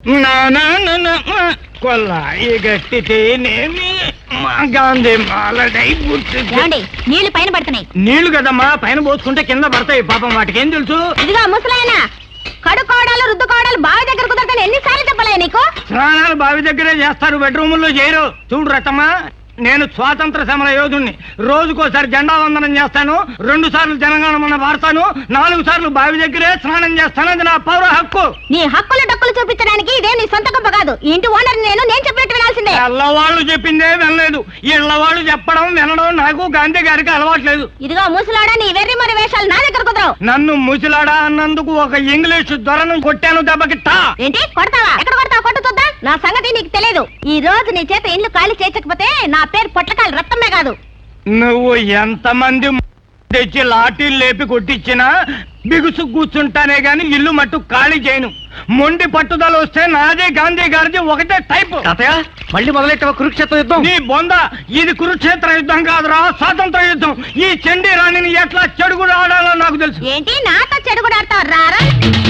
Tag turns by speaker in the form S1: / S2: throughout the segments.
S1: కొల్లాయి గట్టితేనేమి గాంధీ మాలడై
S2: నీళ్లు పైన పడుతున్నాయి.
S1: నీళ్లు కదమ్మా, పైన పోసుకుంటే కింద పడతాయి. పాపం వాటికి ఏం తెలుసు?
S2: ఇదిగా ముసలాయన కడుకోవడాలు రుద్దుకోవడాలు బావి దగ్గర కుదరతాను ఎన్నిసార్లు చెప్పలే నీకు?
S1: స్నానాలు బావి దగ్గరే చేస్తారు, బెడ్రూముల్లో చేయరు. చూడు రతమ్మా, నేను స్వాతంత్ర సమర యోధుణ్ణి. రోజుకోసారి జెండా వందనం చేస్తాను, 2 సార్లు జనగణమన వాడతాను, 4 సార్లు బావి దగ్గరే స్నానం చేస్తాను. అది నా పౌర హక్కు.
S2: నీ హక్కులు డక్కులు చూపించడానికి ఇదే నీ సొంత గొప్ప కాదు. ఇంటి ఓనర్ నేను చెప్పినట్టు వినాల్సిందే.
S1: ఎల్లవాళ్ళు చెప్పిందే వినలేదు. ఇళ్ళవాళ్ళు చెప్పడం వినడం నాకు గాంధీ గారికి అలవాట్లేదు.
S2: ఇదిగో ముసలాడా, నీ వెర్రి మరి వేషాలు నా దగ్గర కుదరవు.
S1: నన్ను ముసలాడా అన్నందుకు ఒక ఇంగ్లీషు దొరను కొట్టాను దెబ్బకిట్టా.
S2: ఏంటి కొడతావా? ఎక్కడ కొడతావు? కొట్టు చూద్దాం. నా సంగతి నీకు తెలియదు. ఈ రోజు నీ చేత ఇల్లు ఖాళీ చేయకపోతే నా పేరు పొట్లకాయలు రక్తమే కాదు.
S1: నువ్వు ఎంతమంది తెచ్చి లాఠీలు లేపి కొట్టించినా బిగుసు కూర్చుంటానే గాని ఇల్లు మట్టు ఖాళీ చేయను. మొండి పట్టుదల వస్తే నాదే గాంధీ గారిది ఒకటే టైపు.
S3: మళ్ళీ మొదలెట్ట కురుక్షేత్ర యుద్ధం.
S1: నీ బొంద, ఇది కురుక్షేత్ర యుద్ధం కాదురా, స్వాతంత్ర యుద్ధం. ఈ చండీ రాణిని ఎట్లా చెడుగుడు ఆడాలో నాకు తెలుసు.
S2: ఏంటి నాతో చెడుగుడు ఆడతావు? రారా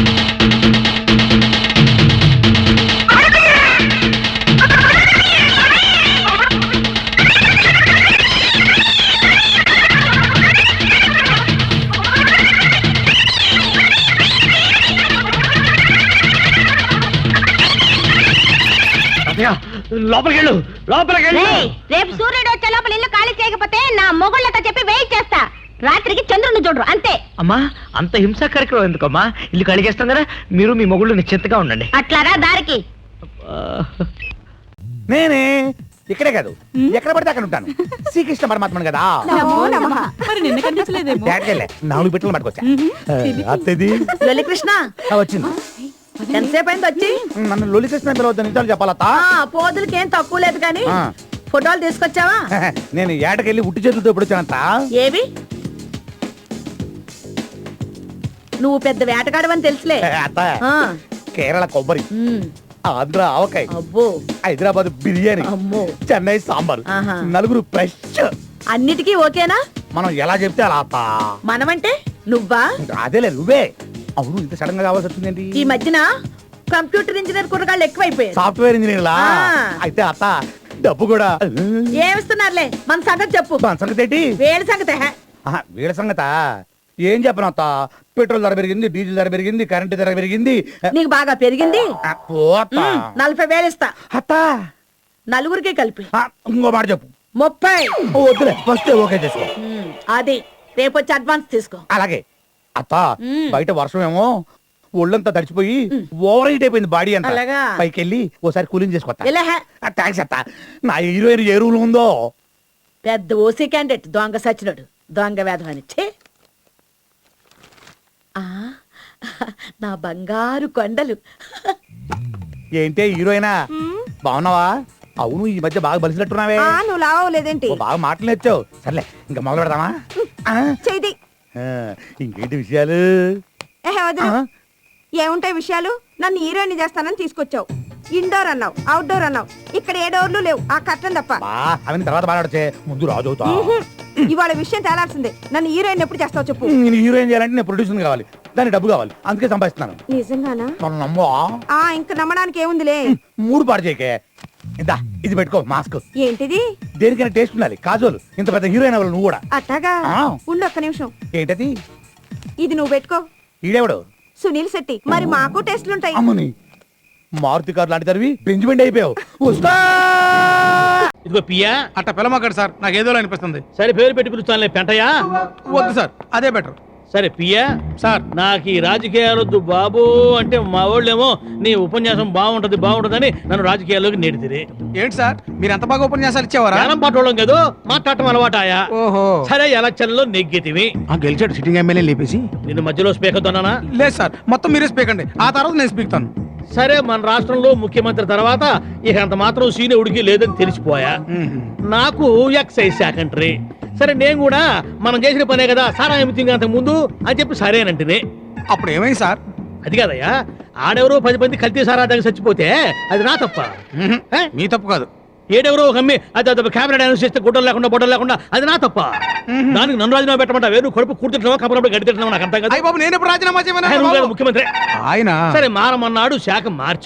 S1: లోపలికెళ్ళు.
S2: రేపు సూర్యుడు వచ్చే లోపల ఇల్లు ఖాళీ చేయకపోతే నా మొగుళ్ళతో చెప్పి వెయిట్ చేస్తా. రాత్రికి చంద్రుని చూడరు అంతే.
S3: అమ్మా, అంత హింసా కార్యక్రమం ఎందుకమ్మా? ఇల్లు ఖాళీ చేస్తాం కదా, మీరు మీ మొగుళ్ళు నిశ్చింతగా ఉండండి.
S2: అట్లారా దారికి.
S4: నేనే ఇక్కడే కాదు, ఎక్కడ పడితే అక్కడ ఉంటాను. శ్రీకృష్ణ పరమాత్మను కదా.
S5: మరి నిన్న కనిపించలేదేమో.
S4: 4 బిట్టలు పట్టుకొచ్చా. అత్తది
S5: కృష్ణ
S4: వచ్చింది.
S5: ఎంతసేపు అయింది వచ్చి?
S4: నన్ను లొలికృష్ణ పిలవద్దు, నిజాలు చెప్పాలత్త.
S5: పోదులకేం తక్కువ లేదు కానీ ఫోటోలు తీసుకొచ్చావా?
S4: నేను ఏటకెళ్ళి ఉట్టి చేతులతో ఎప్పుడు వచ్చానంత.
S5: ఏవి? నువ్వు పెద్ద వేటగాడవని తెలుసులే.
S4: అత్త, కేరళ కొబ్బరి, ఆంధ్ర ఆవకాయ,
S5: అబ్బో,
S4: హైదరాబాద్ బిర్యానీ,
S5: అమ్మో,
S4: చెన్నై సాంబార్,
S5: ఆహా.
S4: 4 ఫ్రెష్.
S5: అన్నిటికీ ఓకేనా?
S4: మనం ఎలా చెప్తే అలా అత్త.
S5: మనమంటే నువ్వా?
S4: అదేలే నువ్వే. అవును, ఇంత సడన్ గా కావాల్సి వచ్చిందేంటి?
S5: ఈ మధ్యన కంప్యూటర్ ఇంజనీర్ కుర్రగాళ్ళు ఎక్కువైపోయారు.
S4: సాఫ్ట్వేర్ ఇంజనీర్ లా? అయితే అత్త డబ్బు కూడా
S5: ఏమిస్తున్నారులే. మన సంగతి చెప్పు.
S4: మన సంగతి ఏంటి?
S5: వేడి సంగతి.
S4: వీళ్ళ సంగత ఏం చెప్పను అత్త. పెట్రోల్ ధర పెరిగింది, డీజిల్ ధర పెరిగింది, కరెంటు ధర పెరిగింది.
S5: నీకు బాగా పెరిగింది. 40,000 ఇస్తా
S4: అత్త.
S5: నలుగురికి కలిపి.
S4: ఇంకో మాట చెప్పు.
S5: 30.
S4: వద్దులే, ఫస్ట్ ఓకే చేసుకో.
S5: అది రేపు వచ్చి అడ్వాన్స్ తీసుకో.
S4: అలాగే అత్త. బయట వర్షం ఏమో ఒళ్ళంతా తడిచిపోయి ఓవర్ హీట్ అయిపోయింది బాడీ అంతా.
S5: అలాగా?
S4: పైకి వెళ్ళి ఓసారి కూలింగ్ చేసుకోవచ్చా?
S5: ఇలా
S4: థ్యాంక్స్ అత్త. నా హీరోయిన్ ఏ రూల్ ఉందో.
S5: పెద్ద ఓసీ క్యాండిడేట్ దొంగ సచ్చినోడు, దొంగ వేధం. నా బంగారు కొండలు.
S4: ఏంటే హీరోయినా, బాగున్నావా? అవును, ఈ మధ్య బాగా బలిసినట్టున్నావే.
S5: నువ్వు లావలేదేంటి?
S4: బాగా మాటలు నేర్చావు. సర్లే, ఇంకా మొదలు పెడదామా?
S5: చేయి.
S4: ఇంకేంటి విషయాలు?
S5: ఏముంటాయి విషయాలు? నన్ను హీరోయిన్ చేస్తానని తీసుకొచ్చావు. ఇండోర్ అన్నావు, అవుట్డోర్ అన్నావు. ఇక్కడ ఏ డోర్లు లేవు, ఆ కట్టం తప్ప.
S4: అవన్నీ తర్వాత మాట్లాడచ్చే, ముందు రాజు అవుతా.
S5: ఇవాళ విషయం తేలాల్సిందే. నన్ను హీరోయిన్ ఎప్పుడు చేస్తావు చెప్పు.
S4: నేను హీరోయిన్ చేయాలంటే నేను ప్రొడ్యూసర్ కావాలి, దానికి డబ్బు కావాలి, అందుకే సంపాదిస్తున్నాను.
S5: నిజంగానా?
S4: మనం నమ్మవా?
S5: ఇంకా నమ్మడానికి ఏముందిలే.
S4: 3 పాడు చేయకే. ఇందా, ఇది పెట్టుకో మాస్క్.
S5: ఏంటిది?
S4: దేనికైనా టేస్ట్ ఉండాలి. కాజోలు, ఇంత పెద్ద హీరోయిన్ అవ్వాలి నువ్వు కూడా.
S5: అట్టాగా? ఉండు ఒక్క నిమిషం.
S4: ఏంటది?
S5: ఇది నువ్వు పెట్టుకో.
S4: ఈడేవాడు?
S5: సునీల్ శెట్టి. మరి మాకు టెస్ట్లుంటాయి.
S4: అమ్మని, మారుతి కార్ లాంటి తరివి బెంచ్మెంట్ అయిపోయావు. వస్తా.
S3: ఇదిగో పియా,
S6: అట్ట పిలమక్కడ సార్, నాకు ఏదో అనిపిస్తుంది.
S3: సరే పేరు పెట్టి పిలుస్తానులే, పెంటయ్యా.
S6: వద్దు సార్, అదే బెటర్.
S3: సరే పియా
S6: సార్,
S3: నాకు ఈ రాజకీయాలొద్దు బాబు అంటే మా వాళ్ళేమో నీ ఉపన్యాసం బాగుంటదని నన్ను రాజకీయాల్లోకి నెడితిరి.
S6: ఏంటి సార్, మీరు ఎంత బాగా ఉపన్యాసాలు ఇచ్చేవారా?
S3: జ్ఞానం పట్టడం కదా, మాట్లాడటం అలవాటాయా?
S6: ఓహో.
S3: సరే, ఎలక్షన్ లో నెగ్గితివి.
S6: గెలిచాడు సిట్టింగ్ ఎమ్మెల్యే లేపేసి.
S3: నిన్ను మధ్యలో స్పీకర్ తోనా?
S6: లేదు సార్, మొత్తం మీరే స్పీక్ అండి, ఆ తర్వాత నేను స్పీక్తాను.
S3: సరే, మన రాష్ట్రంలో ముఖ్యమంత్రి తర్వాత ఇక అంత మాత్రం సీనియరుడికి లేదని తెలిసిపోయా. నాకు ఎక్సైజ్ సెకండరీ. సరే, నేను కూడా మనం చేసిన పనే కదా సారా ఏమిటింగ్ అంతకు ముందు అని చెప్పి సరేనంటే.
S6: అప్పుడు ఏమైంది సార్?
S3: అది కాదయ్యా, ఆడెవరో 10 మంది కల్తీ సారా దగ్గర చచ్చిపోతే అది నా తప్ప.
S6: మీ తప్పు కాదు.
S3: ఏడెవరో ఒక అమ్మి అది కెమెరా డాన్స్ చేస్తే గుడ్డలు లేకుండా బొడ్డలు లేకుండా అది నా తప్ప. దానికి నన్ను రాజీనామా పెట్టమంటా? వేరు కడుపు కూర్చుంటున్నావా, కబురప్పుడు గడి తింటున్నావా? నాకు అంతా కదా.
S6: నేను ఎప్పుడు రాజీనామా చేయమన్నా?
S3: ముఖ్యమంత్రి
S6: ఆయన
S3: సరే మారమన్నాడు, శాఖ మార్చాడు.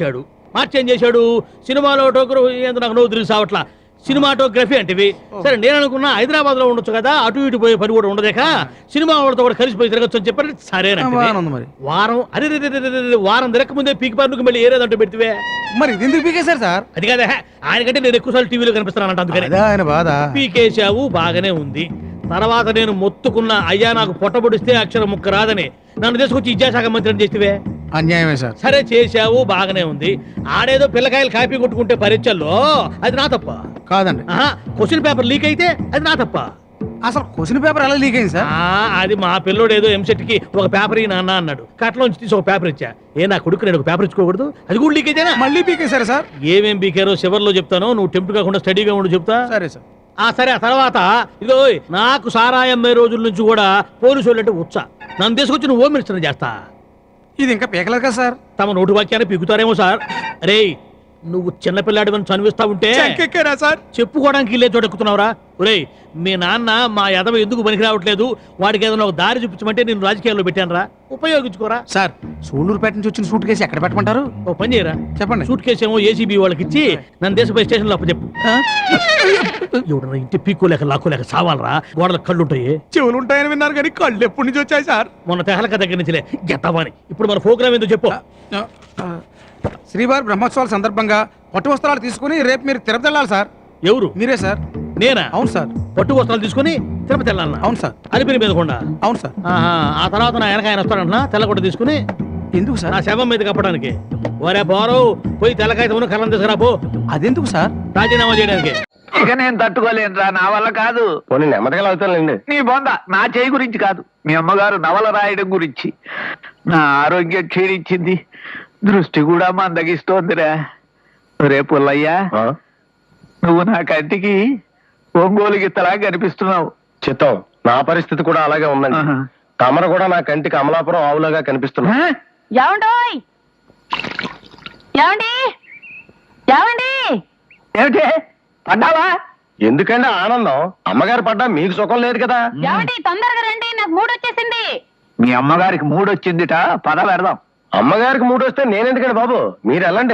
S3: మార్చేం చేశాడు సినిమాలో ఏందో నాకు నవ్వు తెలుసు అవట్లా సినిమాటోగ్రఫీ అంటే సరే నేను అనుకున్నా హైదరాబాద్ లో ఉండొచ్చు కదా అటు ఇటు పోయే పని కూడా ఉండదేక సినిమా వాళ్ళతో కూడా కలిసిపోయి తిరగచ్చు అని చెప్పారు
S6: బాగానే ఉంది మరి.
S3: వారం అరే వారం తిరగక ముందే పీకి పన్నుకు మళ్ళీ ఏరేదంటూ పెడితే
S6: మరి ఇది ఎందుకు పీకేశారు సార్?
S3: అది కాదా ఆయనకంటే నేను ఎక్కువసార్లు టీవీలో కనిపిస్తున్నానంట అందుకని
S6: అదే ఆయన బాధ.
S3: పీకేశావు బాగానే ఉంది తర్వాత నేను మొత్తుకున్న అయ్యా నాకు పొట్టబొడిస్తే అక్షరం ముక్క రాదని నన్ను తీసుకొచ్చి విద్యాశాఖ మంత్రిని చేస్తే
S6: అన్యాయమే సార్.
S3: సరే చేశావు బాగానే ఉంది ఆడేదో పిల్లకాయలు కాపీ కొట్టుకుంటే పరీక్షల్లో అది నా తప్ప
S6: కాదండి,
S3: క్వశ్చన్ పేపర్ లీక్ అయితే అది నా తప్ప
S6: అసలు క్వశ్చన్ పేపర్ ఎలా లీక్ అయింది సార్?
S3: అది మా పిల్లోడు ఏదో ఎంసెట్ కి ఒక పేపర్ ఈ నాన్న అన్నాడు కట్లోంచి తీసి ఒక పేపర్ ఇచ్చా నా కొడుకు నేను ఒక పేపర్ ఇచ్చుకోకూడదు అది కూడా లీక్ అయితేనా
S6: మళ్ళీ పీకేశారు సార్?
S3: ఏమేం పీకారో చివర్లో చెప్తాను నువ్వు టెంప్ట్ కాకుండా స్టడీగా ఉండు చెప్తా
S6: సరే సార్.
S3: సరే ఆ తర్వాత ఇదో నాకు సారాయి అమ్మే రోజుల నుంచి కూడా పోలీసు వాళ్ళు అంటే ఉచ్చ నన్ను తీసుకొచ్చి నువ్వు హోమ్ మినిస్టర్ చేస్తా
S6: ఇది ఇంకా పీకలేదు కదా సార్?
S3: తమ నోటి వాక్యాన్ని పీకుతారేమో సార్ అరే నువ్వు చిన్నపిల్లాడి అని చనివిస్తా ఉంటే
S6: చెక్కెక్కారా సార్?
S3: చెప్పుకోవడానికి ఇల్లే చోట ఎక్కుతున్నావురా ఒరే మీ నాన్న మా యదవ ఎందుకు పనికి రావట్లేదు వాడికి ఏదైనా ఒక దారి చూపించమంటే నేను రాజకీయాల్లో పెట్టానురా ఉపయోగించుకోరా
S6: సార్ సూళ్ళూరుపేట నుంచి వచ్చిన సూట్ కేసు ఎక్కడ పెట్టమంటారు?
S3: ఓ పని చేయరా
S6: చెప్పండి.
S3: సూట్ కేసు ఏమో ఏసీబీ వాళ్ళకి ఇచ్చి నన్ను దేశపై స్టేషన్ లో అప్పచెప్పు ఎవడన్నా ఇంటి పీక్కోలేక లాక్కోలేక సావాలరా గోడలకు కళ్ళు ఉంటాయి
S6: చెవులు ఉంటాయని విన్నారు కానీ కళ్ళు ఎప్పటి నుంచి వచ్చాయి సార్?
S3: మొన్న తెహలక దగ్గర నుంచిలే గెత్తవాని ఇప్పుడు మన ప్రోగ్రామ్ ఏందో చెప్పు
S6: శ్రీవారి బ్రహ్మోత్సవాల సందర్భంగా పట్టు వస్త్రాలు తీసుకుని రేపు మీరు తిరుపతి వెళ్ళాలి సార్.
S3: ఎవరు
S6: మీరే సార్.
S3: నేనా
S6: అవును సార్.
S3: పట్టు వస్త్రాలు తీసుకుని తిరుపతి వెళ్ళాలన్నా
S6: అవును సార్.
S3: అలిపిరి మీద కొండ
S6: అవును సార్.
S3: ఆ తర్వాత నా వెనక ఆయన వస్తాడంటున్నా తెల్లగొట్ట తీసుకుని
S6: ఎందుకు సార్?
S3: నా శవం మీద కప్పడానికి ఒరే పోరు పోయి తెల్లకాయతమును కళ్ళం తీసుకురా పో
S6: అదెందుకు సార్?
S3: రాజీనామా చేయడానికి
S7: ఇక నేను తట్టుకోలేనురా, నా వల్ల కాదు.
S1: పోనీ నెమ్మదిగా అవుతానులేండి.
S7: నీ బొంద నా చేయి గురించి కాదు, మీ అమ్మగారు నవల రాయడం గురించి. నా ఆరోగ్యం క్షీణించింది, దృష్టి కూడా మందగిస్తోందిరా. రేపు పుల్లయ్యా, నువ్వు నా కంటికి ఒంగోలు గిత్తలా కనిపిస్తున్నావు.
S1: చిత్తం నా పరిస్థితి కూడా అలాగే ఉందండి. తమరు కూడా నా కంటికి అమలాపురం ఆవులాగా కనిపిస్తున్నా.
S2: ఏమండోయ్ ఏమండి ఏమండి
S7: ఏమిటి పడ్డావా?
S1: ఎందుకంటే ఆనందం అమ్మగారు పడ్డా మీకు సుఖం లేదు కదా.
S2: ఏమండి తొందరగా రండి నాకు మూడు వచ్చేసింది.
S7: మీ అమ్మగారికి మూడొచ్చిందిట, పద పెడదాం.
S1: అమ్మగారికి మూడు వస్తే నేనెందుకండి బాబు, మీరు వెళ్ళండి.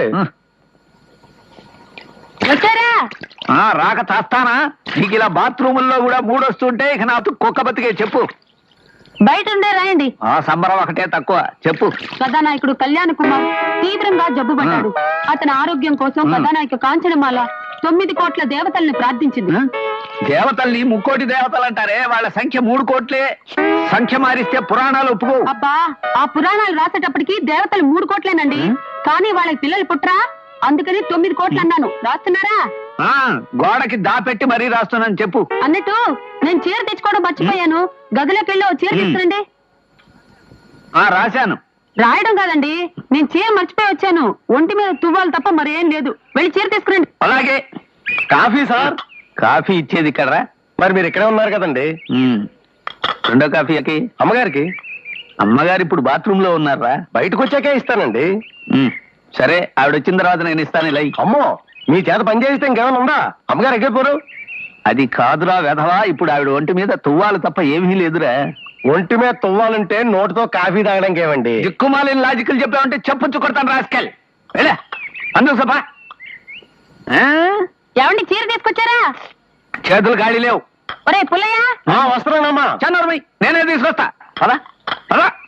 S2: వచ్చారా?
S7: రాక చేస్తానా? నీకు ఇలా బాత్రూముల్లో కూడా మూడొస్తుంటే ఇక నాకు కుక్క బతికే చెప్పు.
S2: బయట ఉండే రాయండి.
S7: సంబరం ఒకటే తక్కువ, చెప్పు.
S2: కథానాయకుడు కళ్యాణ్ కుమార్ తీవ్రంగా జబ్బు పడ్డాడు. అతని ఆరోగ్యం కోసం కథానాయక కాంచనమాల 9 కోట్ల దేవతల్ని ప్రార్థించింది.
S7: దేవతల్ని ముక్కోటి దేవతలు అంటారే, వాళ్ళ సంఖ్య 3 కోట్లే. సంఖ్య మారిస్తే పురాణాలు ఒప్పుకో.
S2: అబ్బా ఆ పురాణాలు రాసేటప్పటికి దేవతలు 3 కోట్లేనండి, కానీ వాళ్ళకి పిల్లలు పుట్రా అందుకని 9 కోట్లు అన్నాను. రాస్తున్నారా?
S7: గోడకి దాపెట్టి మరీ రాస్తున్నాను, చెప్పు.
S2: అన్నట్టు నేను చీర తెచ్చుకోవడం మర్చిపోయాను, గదిలోకి వెళ్ళి ఓ చీర తీసుకురండి.
S7: రాశాను.
S2: రాయడం కాదండి, నేను చీర మర్చిపోయి వచ్చాను. ఒంటి మీద తువ్వాలు తప్ప మరేం లేదు, వెళ్ళి చీర తీసుకురండి.
S7: అలాగే.
S1: Coffee sir?
S7: కాఫీ ఇచ్చేది ఇక్కడ రా.
S1: మరి మీరు ఇక్కడే ఉన్నారు కదండి.
S7: రెండో కాఫీకి
S1: అమ్మగారికి.
S7: అమ్మగారు ఇప్పుడు బాత్రూమ్ లో ఉన్నారా?
S1: బయటకు వచ్చాకే ఇస్తానండి.
S7: సరే, ఆవిడ వచ్చిన తర్వాత నేను ఇస్తాను. ఇలా
S1: అమ్మో, మీ చేత పని చేస్తే ఇంకేమైనా ఉందా? అమ్మగారు ఎక్కడిపోరు?
S7: అది కాదురా వెధవా, ఇప్పుడు ఆవిడ ఒంటి మీద తువ్వాలు తప్ప ఏమీ లేదురా.
S1: ఒంటి మీద తువ్వాలంటే నోటితో కాఫీ తాగడానికి ఏమండి?
S7: దిక్కుమాలిన లాజికల్ చెప్పావంటే చెప్పుచ్చు కొడతాను రాస్కెల్. వెళ్ళా అందుకు సభ.
S2: ఏమండి చీర తీసుకొచ్చారా?
S7: చేతులు గాడి లేవు.
S2: ఒరే పుల్లయ్య
S1: వస్తున్నానమ్మా.
S7: చన్నోర్మై, నేనే తీసుకొస్తా. పదా పదా.